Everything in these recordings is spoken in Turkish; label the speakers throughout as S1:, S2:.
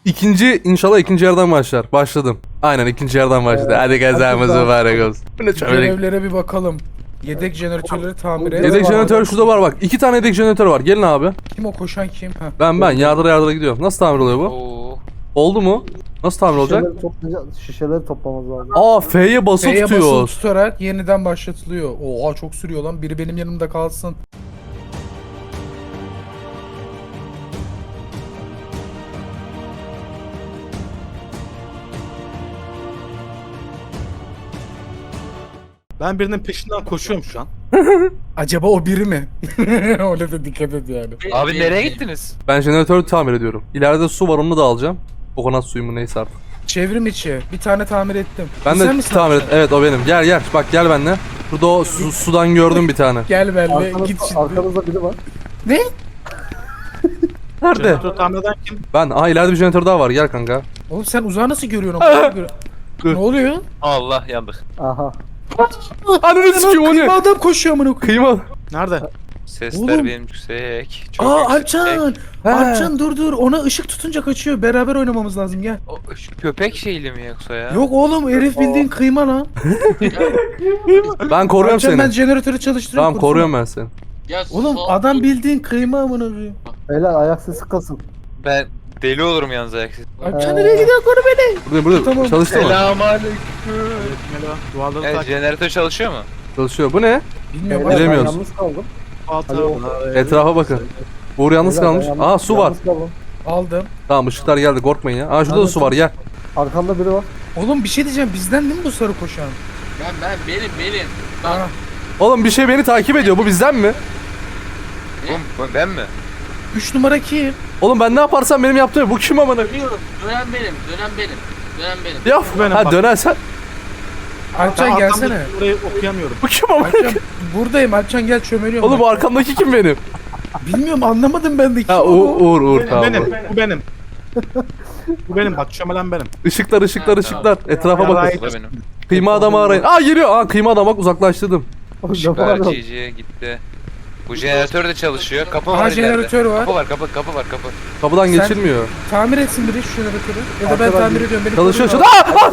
S1: İnşallah ikinci yerden başlar. Başladım. Aynen ikinci yerden başladı. Hadi kazamız mübarek olsun. Bu ne çömelik.
S2: Görevlere bir bakalım. Yedek jeneratörleri tamir et.
S1: Yedek jeneratör şurada var bak. 2 tane yedek jeneratör var. Gelin abi.
S2: Kim o koşan kim? Ha.
S1: Ben yardıra gidiyorum. Nasıl tamir oluyor bu?
S3: Oo.
S1: Oldu mu? Nasıl tamir olacak?
S4: Şişeleri toplamamız lazım.
S1: Aa F'ye basılı
S2: F'ye basılı
S1: tutuyoruz.
S2: tutarak yeniden başlatılıyor. Oha çok sürüyor lan. Biri benim yanımda kalsın.
S5: Ben birinin peşinden koşuyorum şu an.
S2: Acaba o biri mi? Öyle de dikkat et yani.
S3: Abi nereye gittiniz?
S1: Ben jeneratörü tamir ediyorum. İleride su var onu da alacağım. Kokonat suyu mu neyse artık.
S2: Çevrim içi. Bir tane tamir ettim.
S1: Ben
S2: Sen
S1: de
S2: misin
S1: tamir et.
S2: akşam?
S1: Evet o benim. Gel bak gel benimle. Burada o sudan gördüm bir tane.
S2: Gel benimle git şimdi.
S4: Arkamızda biri var.
S2: Ne?
S1: Nerede?
S5: Jeneratörü tamir eden kim?
S1: Ben. Aha ileride bir jeneratör daha var. Gel kanka.
S2: Oğlum sen uzağı nasıl görüyorsun? Ama ne oluyor?
S3: Allah yandık.
S4: Aha.
S1: Ananı sikeyim o
S2: Kıyma
S1: ne?
S2: adam koşuyor amına koyayım.
S1: Kıyma.
S5: Nerede?
S3: Sesler
S2: Oğlum.
S3: benim yüksek. Çok
S2: Aa
S3: yüksek.
S2: Alpcan.
S1: He.
S2: Alpcan dur ona ışık tutunca kaçıyor. Beraber oynamamız lazım gel.
S3: O, şu köpek şeyli mi yoksa ya?
S2: Yok oğlum herif bildiğin kıyma lan.
S1: Ben koruyorum
S2: Alpcan
S1: seni.
S2: ben jeneratörü çalıştırıyorum.
S1: Tamam koruyorum ben seni.
S2: Oğlum adam bildiğin kıyma amına koyayım.
S4: Beyler ayak sesi kasın.
S3: Ben deli olurum yalnız ayaksız.
S2: Alpcan nereye gidiyor koru beni.
S1: Burada
S2: Tamam.
S1: çalıştı mı?
S3: Selamünaleyküm.
S5: Merhaba. Duvarları
S3: Evet
S5: takip
S3: jeneratör çalışıyor mu?
S1: Çalışıyor. Bu ne?
S2: Bilmiyorum.
S4: Beyler, ben
S1: Bilemiyoruz.
S4: yalnız kaldım.
S1: Etrafa bakın. Uğur yalnız
S4: Beyler, ben
S1: kalmış.
S4: yalnız-
S1: Aa su var.
S4: yalnız kaldım.
S2: Aldım.
S1: Tamam ışıklar geldi korkmayın ya. Aa şurada da su var gel.
S4: Arkamda biri var.
S2: Oğlum bir şey diyeceğim bizden değil mi bu sarı koşan?
S6: Benim.
S2: Aa,
S1: Oğlum bir şey beni takip ediyor. Bu bizden mi?
S3: Bu ben mi?
S2: 3 numara kim?
S1: Oğlum ben ne yaparsam benim yaptığım. Bu kim amına?
S6: Biliyorum. Dönen benim.
S1: Ya
S5: Benim
S1: ha
S5: bak.
S1: dönersen.
S2: Alpcan gelsene.
S5: Burayı okuyamıyorum.
S1: Bu kim amına?
S2: Alpcan buradayım Alpcan gel çömeliyorum.
S1: Oğlum bu arkamdaki kim benim?
S2: Bilmiyorum anlamadım ben de kim
S1: Ha
S2: o?
S1: Uğur tamam.
S5: Benim. Bu benim. Bu benim bak çömelen benim.
S1: Işıklar. Etrafa
S5: Ya,
S1: bakın.
S3: Bu da benim.
S1: Kıyma adamı arayın. Aa geliyor. Aa kıyma adam bak uzaklaştırdım.
S4: Ne
S3: Işıklar
S4: var lan?
S3: GG gitti. Bu jeneratör de çalışıyor. Kapı
S2: Aha,
S3: var ileride.
S2: jeneratör var.
S3: Kapı var kapı var.
S1: Kapıdan
S2: Sen-
S1: geçilmiyor.
S2: Tamir etsin biri şu jeneratörü. Ya da ben
S4: Arkadan
S2: tamir
S4: bir-
S2: ediyorum. Beni
S1: Çalışıyor.
S2: koruyun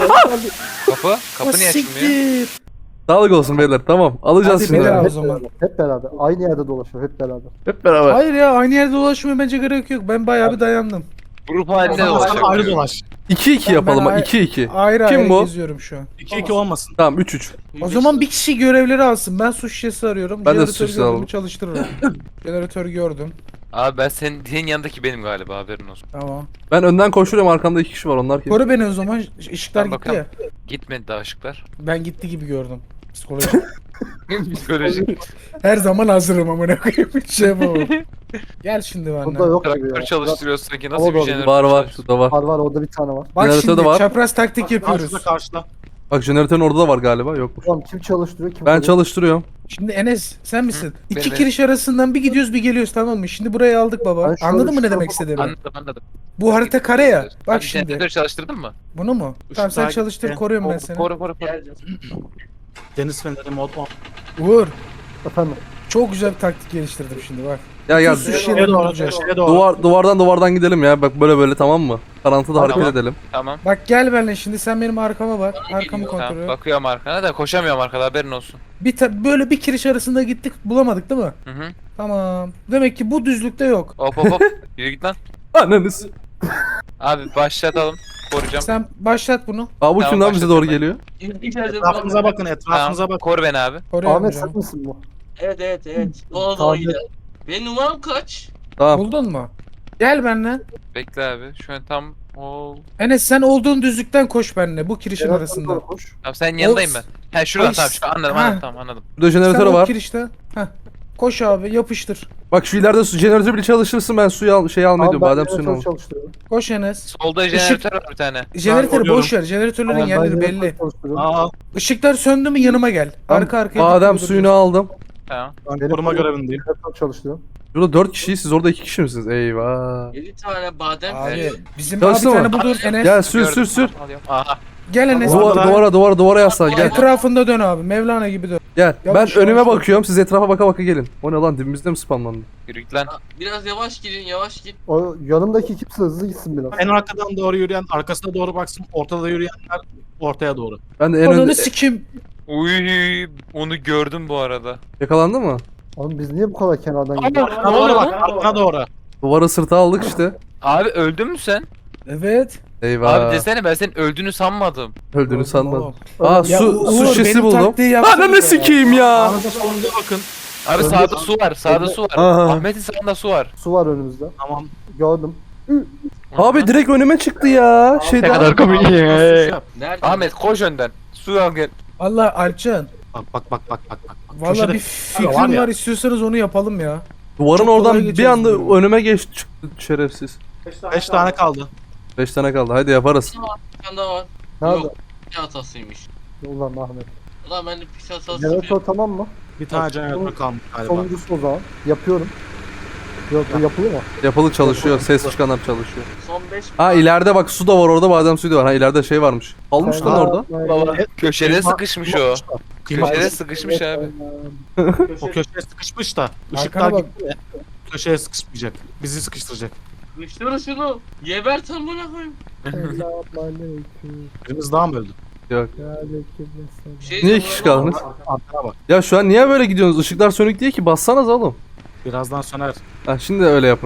S3: Kapı niye açılmıyor?
S2: Siktir.
S1: Sağlık olsun beyler. Tamam. Alacağız
S2: Hadi
S1: şimdi.
S2: beyler.
S1: abi.
S2: O zaman.
S4: Hep beraber. Aynı yerde dolaşıyor hep beraber.
S1: Hep beraber.
S2: Hayır ya aynı yerde dolaşmıyor bence gerek yok. Ben bayağı bir dayandım.
S3: Grup halinde
S5: Sen
S3: olacak.
S5: ayrı dolaş.
S1: 2-2 yapalım.
S2: Ben-
S1: 2-2.
S2: Ayrı
S1: Kim
S2: ayrı
S1: bu?
S2: geziyorum şu an.
S5: 2-2 olmasın.
S1: Tamam 3-3.
S2: O zaman bir kişi görevleri alsın. Ben su şişesi arıyorum.
S1: Ben de
S2: Jeneratörü
S1: su şişesi
S2: gördüm,
S1: alalım.
S2: çalıştırırım. Jeneratörü gördüm.
S3: Abi ben senin yanındaki benim galiba haberin olsun.
S2: Tamam.
S1: Ben önden koşuyorum. Arkamda 2 kişi var. Onlar kim?
S2: Koru beni o zaman. Işıklar
S3: Ben
S2: gitti
S3: bakalım.
S2: ya.
S3: Gitmedi daha ışıklar.
S2: Ben gitti gibi gördüm. Psikoloji.
S3: Psikoloji.
S2: Her zaman hazırım amına koyayım. Hiç şey yapamam. Gel şimdi
S4: Burada
S2: benden.
S4: yok gibi
S3: Traktör
S4: ya.
S3: çalıştırıyorsun sanki nasıl
S4: Hava
S3: bir
S4: doğru.
S3: jeneratör?
S1: Var
S3: çalışıyor?
S1: şurada var.
S4: Var orada bir tane var.
S2: Bak
S1: Jeneratör
S2: şimdi
S1: de var.
S2: çapraz taktik yapıyoruz.
S5: Karşıda.
S1: Bak jeneratörün orada da var galiba. Yokmuş.
S4: Tamam kim çalıştırıyor kim
S1: Ben
S4: kuruyor?
S1: çalıştırıyorum.
S2: Şimdi Enes sen misin? İki
S3: benim.
S2: kiriş arasından bir gidiyoruz bir geliyoruz tamam mı? Şimdi burayı aldık baba.
S4: Ben şöyle
S2: Anladın mı ne
S4: şurada-
S2: demek istediğimi?
S3: Anladım.
S2: Bu harita kare ya.
S3: Abi
S2: Bak şimdi.
S3: jeneratör çalıştırdın mı?
S2: Bunu mu? Tamam sen
S5: takip
S2: çalıştır
S5: et.
S2: koruyorum ben seni.
S3: Koru.
S5: Deniz feneri mod 10.
S2: Uğur.
S4: Efendim.
S2: Çok güzel bir taktik geliştirdim şimdi bak.
S1: Gel
S2: Su
S1: gel.
S2: şişeleri
S5: Şeye doğru.
S2: bulacağız.
S5: Şeye doğru.
S1: Duvardan gidelim ya. Bak böyle tamam mı? Karantıda
S3: Tamam.
S1: hareket edelim.
S3: Tamam.
S2: Bak gel benimle şimdi sen benim arkama bak. Arkamı kontrol
S3: Tamam
S2: et.
S3: bakıyorum arkana da koşamıyorum arkada haberin olsun.
S2: Böyle bir kiriş arasında gittik bulamadık değil mi?
S3: Hı hı.
S2: Tamam. Demek ki bu düzlükte yok.
S3: Hop. Yürü git lan.
S1: Ananız.
S3: Abi başlatalım. Koruyacağım.
S2: Sen başlat bunu.
S1: Aa bu
S3: Tamam,
S1: kim lan bize doğru
S3: başlatıyorum
S1: geliyor?
S6: İçeride
S5: Etrafınıza bakın. Etrafınıza
S3: Tamam.
S5: bakın.
S3: Koru beni abi.
S2: Koruyorum
S4: Ahmet
S2: canım.
S4: sen misin bu?
S6: Evet. Doğru
S4: Tamam.
S6: gider. Benim numaram kaç?
S1: Tamam.
S2: Buldun mu? Gel benimle.
S3: Bekle abi. Şu an tam ol.
S2: Enes sen olduğun düzlükten koş benimle bu kirişin
S4: Jeneratör
S2: arasında.
S4: doğru koş.
S3: Tamam senin yanındayım
S2: O-
S3: ben. He şuradan
S2: Ay,
S3: tamam şu anladım
S2: ha.
S3: anladım.
S1: Burada jeneratör
S2: Sen o
S1: var.
S2: kirişte. Heh. Koş abi yapıştır.
S1: Bak şu ileride jeneratör bile çalıştırsın ben suyu almayı
S4: Tamam
S1: diyorum.
S4: ben
S1: Badem suyunu
S4: jeneratör
S1: al.
S4: çalıştırıyorum.
S2: Koş Enes.
S3: Solda jeneratör var bir tane.
S2: Jeneratörü
S5: koruyorum.
S2: boş ver. Jeneratörlerin
S4: Tamam, ben
S2: yerleri
S4: jeneratör
S2: belli.
S4: çalıştırıyorum.
S5: Aa,
S2: Işıklar söndü mü yanıma gel. Arka arkaya.
S1: Badem
S2: dik
S1: suyunu
S2: duracağız.
S1: aldım.
S3: Tamam.
S5: ben
S4: Benim
S5: koruma
S4: koruyorum.
S5: görevindeyim.
S4: Jeneratör çalıştırıyorum.
S1: Burada 4 kişiyiz siz orada 2 kişi misiniz? Eyvah.
S6: 7 tane badem.
S2: Abi bizim
S1: Çalıştı
S2: abi bir
S1: mı?
S2: tane budur Enes.
S1: Gel sür
S3: Gördüm.
S1: sür.
S3: Alıyorum. Aha.
S2: Gel Enes.
S1: Duvara yaslan gel.
S2: Etrafında dön abi. Mevlana gibi dön.
S1: Gel. Ben
S2: Yavaş,
S1: önüme
S2: yavaş.
S1: bakıyorum. Siz etrafa baka baka gelin. O ne lan, dibimizde mi spamlandı?
S3: Yürü git lan.
S6: Biraz yavaş gidin yavaş git.
S4: O yanımdaki kimse hızlı gitsin biraz.
S5: En arkadan doğru yürüyen arkasına doğru baksın. Ortada yürüyenler ortaya doğru.
S1: Ben de en
S2: Ananı
S1: önde...
S2: sikim.
S3: Uy, onu gördüm bu arada.
S1: Yakalandı mı?
S4: Oğlum biz niye bu kadar kenardan gidiyoruz?
S5: Arkana doğru bak. Arkana doğru.
S1: Duvarı sırta aldık işte.
S3: Abi öldün mü sen?
S2: Evet.
S1: Eyvah.
S3: Abi desene, ben senin öldüğünü sanmadım.
S1: Öldüğünü sanmadım.
S2: Oğlum.
S1: Aa
S2: Ya
S1: su
S2: Uğur,
S1: şişesi
S2: benim
S1: buldum.
S2: taktiği yapsana
S1: Ananı
S2: ya.
S1: sikeyim ya.
S5: Sağınıza solunuza bakın.
S3: Abi sağda su var, sağda su var.
S1: Aha.
S3: Ahmet'in sağında su var.
S4: Su var önümüzde.
S5: Tamam.
S4: Gördüm.
S1: Abi direkt önüme çıktı ya. Şeyden.
S3: komik
S6: Nerede?
S3: Ahmet koş önden. Su al gel.
S2: Valla Alpcan.
S5: Bak.
S2: Valla
S5: Köşede-
S2: bir fikrim
S5: var
S2: var,
S5: ya.
S2: istiyorsanız onu yapalım ya.
S1: Duvarın
S2: Çok
S1: oradan
S2: kolay
S1: bir
S2: geçeriz
S1: anda
S2: bunu.
S1: önüme geçti çıktı şerefsiz.
S5: 5 tane kaldı.
S1: 5 tane kaldı. Haydi yaparız.
S6: Bir tane daha var.
S4: Nerede?
S6: Yok. Bir hatasıymış.
S4: Ulan Ahmet.
S6: Ulan ben de pis hatası
S4: Jeneratör tamam mı?
S5: Bir tane jeneratör kalmış galiba.
S4: Sonuncusu o zaman. Yapıyorum. Yok bu yapılıyor mu?
S1: Yapılı çalışıyor. Ses çıkanlar çalışıyor.
S6: Son 5
S1: Ha ileride bak su da var orada, badem suyu da var. Ha ileride şey varmış. Almış lan orada.
S3: Köşede sıkışmış o.
S5: Kıyma-
S3: Köşede sıkışmış abi.
S5: O köşeye sıkışmış da.
S2: Arkana
S5: Işıklar
S2: bak.
S5: gitti ya. Köşeye sıkışmayacak. Bizi sıkıştıracak.
S6: Kıştırın şunu. Gebert amına koyayım.
S5: Birimiz daha mı öldü?
S1: Yok.
S6: Bir şey
S1: Niye
S6: diyeceğim,
S1: iki kişi
S6: ulan.
S1: kaldınız?
S5: Arkana bak.
S1: Ya şu an niye böyle gidiyorsunuz? Işıklar sönük değil ki. Bassanız oğlum.
S5: Birazdan söner.
S1: Ha şimdi öyle yapın.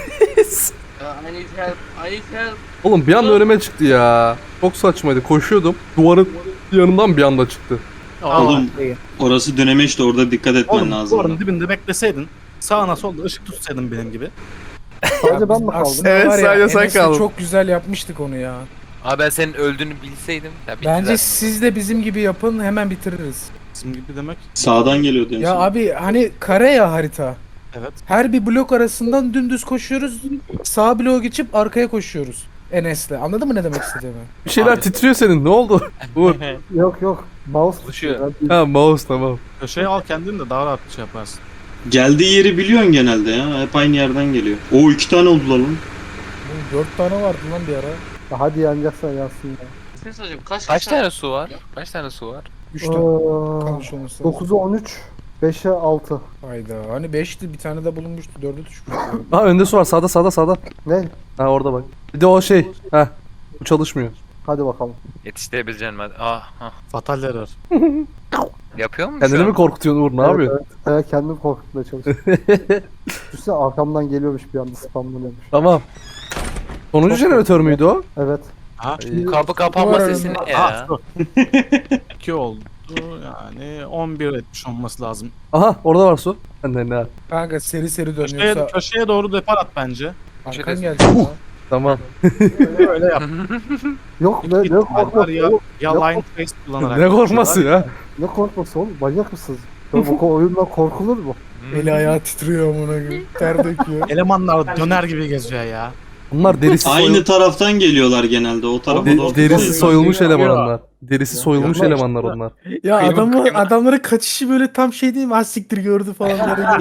S6: I need help. I need help.
S1: Oğlum bir anda önüme çıktı ya. Çok saçmaydı. Koşuyordum. Duvarın yanından bir anda çıktı.
S7: Oğlum orası dönemeç de orada dikkat etmen
S5: Oğlum
S7: lazım.
S5: duvarın dibinde bekleseydin. Sağına solda ışık tutsaydın benim gibi.
S4: Sadece ben mi kaldım?
S2: Aslında
S1: Evet,
S2: var ya,
S1: sadece sen
S2: Enes'le
S1: kaldın.
S2: çok güzel yapmıştık onu ya.
S3: Abi ben senin öldüğünü bilseydim. Ya
S2: Bence
S3: bittiler.
S2: siz de bizim gibi yapın, hemen bitiririz.
S5: Bizim gibi demek.
S7: Sağdan geliyordu en
S2: Ya
S7: son.
S2: abi hani kare ya harita.
S5: Evet.
S2: Her bir blok arasından dümdüz koşuyoruz. Sağ bloğa geçip arkaya koşuyoruz. Enes'le. Anladın mı ne demek istediğimi?
S1: Bir şeyler
S3: Abi.
S1: titriyor senin. Ne oldu? Uğur.
S4: Yok. Mouse
S3: Çalışıyor.
S1: Ha mouse tamam.
S5: Köşeye al kendini de daha rahat şey yaparsın.
S7: Geldiği yeri biliyorsun genelde ya. Hep aynı yerden geliyor. O 2 tane oldular lan.
S2: Oğlum 4 tane vardı lan bir ara.
S4: Ya hadi yanacaksan yansın ya.
S6: Ne söyleyeceğim? Kaç
S3: Kaç tane su var? Kaç tane su var?
S2: 3 tane kalmış olması lazım.
S4: 9'a 13, 5'e 6.
S2: Hayda. Hani 5'ti bir tane de bulunmuştu. 4'e düşmüştü.
S1: Ha önde su var. Sağda.
S4: Ne?
S1: Ha orada bak. Bir de o şey. Ha. Bu çalışmıyor.
S4: Hadi bakalım.
S3: Yetiştirebileceğim hadi. Ah, ah.
S5: Fatal error.
S3: Yapıyor musun
S1: Kendini
S3: şu
S1: mi
S3: an?
S1: korkutuyorsun Uğur? Ne yapıyorsun?
S4: Evet, kendimi korkutmaya çalışıyorum. Düşünsene arkamdan geliyormuş bir anda spamlanıyormuş.
S1: Tamam. Sonuncu jeneratör müydü o?
S4: Evet.
S5: Ha?
S3: Kapı kapanma
S2: Var
S3: sesi ne
S5: Ha,
S3: ya?
S5: dur. 2 oldu yani 11 etmiş olması lazım.
S1: Aha orada var su. Benden ne?
S2: Kanka seri seri
S5: Köşeye,
S2: dönüyorsa
S5: köşeye doğru depar at bence.
S2: arkan gelecek ya.
S1: Tamam.
S5: Öyle yap.
S4: Yok ne korkması
S5: ya,
S4: oğlum?
S5: ya
S4: Yok.
S5: line face kullanarak.
S1: Ne korkması ya?
S4: Ne korkması oğlum? Manyak mısınız? Bu oyundan korkulur mu?
S2: Eli ayağı titriyor amına koyayım. Ter döküyor.
S5: Elemanlar döner gibi geziyor ya.
S1: Bunlar derisi
S7: Aynı taraftan geliyorlar genelde. O tarafa doğru.
S1: derisi
S7: değil.
S1: soyulmuş eleman onlar. Derisi soyulmuş
S4: Ya,
S1: elemanlar onlar.
S2: Ya
S3: Kıyma.
S2: adamların kaçışı böyle tam şey değil mi? Az siktir gördü falan.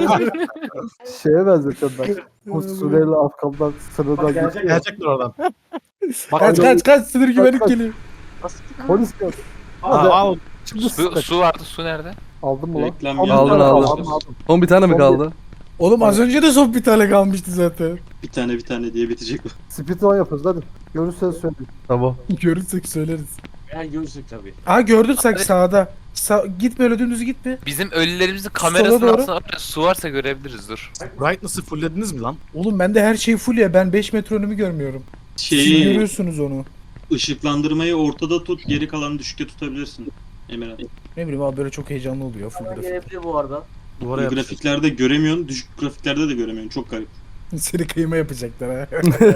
S4: Şeye benzetiyorum ben. Bu Suriyeli arkamdan sınırdan geçiyor.
S5: Gelecekler oradan.
S2: kaç sınır güvenlik
S4: kaç.
S2: geliyor.
S4: Polis gel.
S5: Al.
S4: Şimdi
S3: Su vardı, su nerede?
S4: aldın mı lan?
S7: Reklam
S4: Aldın,
S7: geldi.
S1: Aldın. Son bir tane mi
S4: Son
S1: kaldı?
S2: Oğlum az önce de son bir tane kalmıştı zaten.
S7: Bir tane diye bitecek bu.
S4: Speedrun yapıyoruz hadi. Görürseniz söyleyin.
S1: Tamam.
S2: Görürsek söyleriz.
S6: Eğer görürsek tabii.
S2: Aa gördün sen sağda. Git böyle dümdüz gitme.
S3: Bizim ölülerimizin kamerasının
S2: doğru.
S3: altında var ya, su varsa görebiliriz dur.
S5: Brightness'ı fulllediniz mi lan?
S2: Oğlum bende her şey full ya. Ben 5 metre önümü görmüyorum. Siz
S7: Şeyi
S2: görüyorsunuz onu.
S7: ışıklandırmayı ortada tut, geri kalanı düşükte tutabilirsin. Emirhan.
S2: Ne bileyim abi böyle çok heyecanlı oluyor full grafik.
S6: Gelebilir bu arada.
S5: Duvara yapıştır.
S7: Grafiklerde göremiyorsun, düşük grafiklerde de göremiyorsun. Çok garip.
S2: Seni kıyma yapacaklar ha.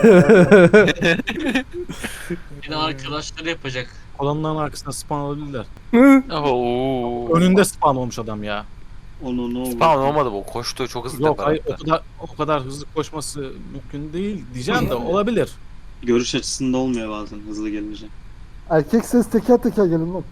S6: Yine arkadaşları yapacak.
S5: Kolonların arkasına spawn olabilirler.
S3: Oo.
S5: Önünde spawn olmuş adam ya.
S7: Onu ne oldu?
S3: Spawn olmadı bu. Koştu çok hızlı.
S5: Yok hayır
S3: tepelerde.
S5: o kadar hızlı koşması mümkün değil diyeceğim de olabilir.
S7: Görüş açısında olmuyor bazen hızlı gelince.
S4: Erkek ses teker teker gelin lan.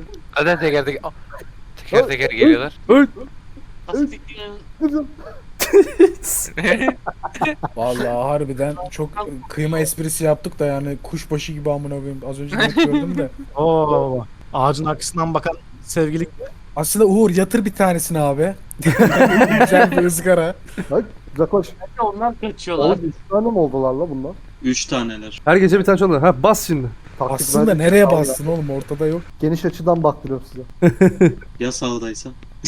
S3: Zaten teker teker geliyorlar.
S1: Öl.
S6: Nasıl fikrin?
S2: Vallahi harbiden çok kıyma esprisi yaptık da yani kuşbaşı gibi amına koyayım. Az önce net gördüm de.
S5: Oo. Ağacın arkasından bakan sevgili.
S2: Aslında Uğur yatır bir tanesini abi. Güzel bir ızgara.
S4: Bak uzaklaş.
S6: Onlar kaçıyorlar.
S4: Oğlum 3 tane mi oldular la bunlar?
S7: 3 taneler.
S1: Her gece bir tane çalıyor. Ha bas şimdi.
S4: Taktik
S2: Aslında
S4: verdik.
S2: nereye bastın oğlum ortada yok.
S4: Geniş açıdan baktırıyorum size.
S7: Ya sağdaysa?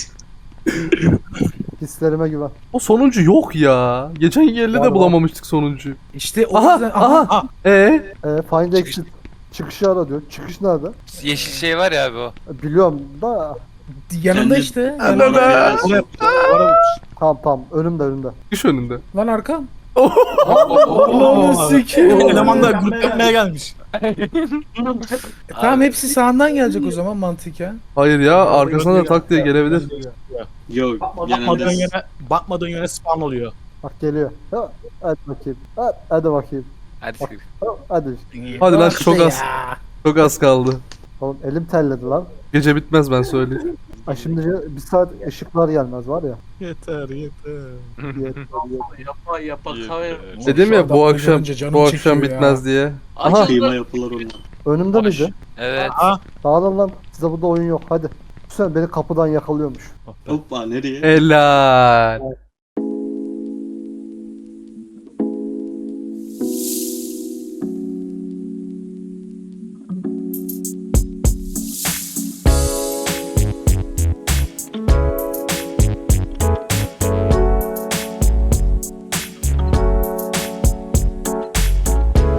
S4: Hislerime güven.
S1: O sonuncu yok ya. Geçen yerde
S4: Var,
S1: de
S4: var.
S1: bulamamıştık sonuncuyu.
S2: İşte o
S1: Aha
S2: yüzden...
S1: aha.
S4: Find exit. Çıkışı ara diyor. Çıkış nerede?
S3: Yeşil şey var ya abi o.
S4: Biliyorum da.
S2: Yanında
S7: Kendi-
S2: işte.
S1: Anne
S2: Yanında.
S1: be.
S5: Onu yapıyor.
S4: Tamam önümde.
S1: Düş önünde.
S2: Lan arkam.
S5: Allah'ını
S2: sikeyim.
S5: Eleman da grup yapmaya gelmiş.
S2: Tamam hepsi sağından gelecek o zaman mantıken.
S1: Hayır ya arkasına da tak diye gelebilir.
S7: Yok
S5: Bakmadığın
S7: genelde
S5: bakmadığın yöne spawn oluyor.
S4: Bak geliyor. Ha, hadi bakayım. Hadi bakayım.
S3: Hadi siktir.
S4: Hadi.
S1: Hadi lan
S2: Bak
S1: çok
S2: işte
S1: az.
S2: ya.
S1: Çok az kaldı.
S4: Oğlum elim telledi lan.
S1: Gece bitmez ben söyleyeyim.
S4: Ay şimdi bir saat ışıklar gelmez var ya.
S5: Yeter.
S6: Yapa kahve.
S1: Dedim ya bu
S2: adamları
S1: akşam
S2: görünce canım
S1: bu akşam
S2: çekiyor ya.
S1: bitmez diye.
S3: Aha.
S7: kıyma yapılar onlar.
S4: Önümde
S3: Boş.
S4: miydi?
S3: Evet.
S5: Aha.
S4: Dağılın lan. Size burada oyun yok. Hadi. Sen beni kapıdan yakalıyormuş.
S7: Hoppa nereye?
S1: Helal.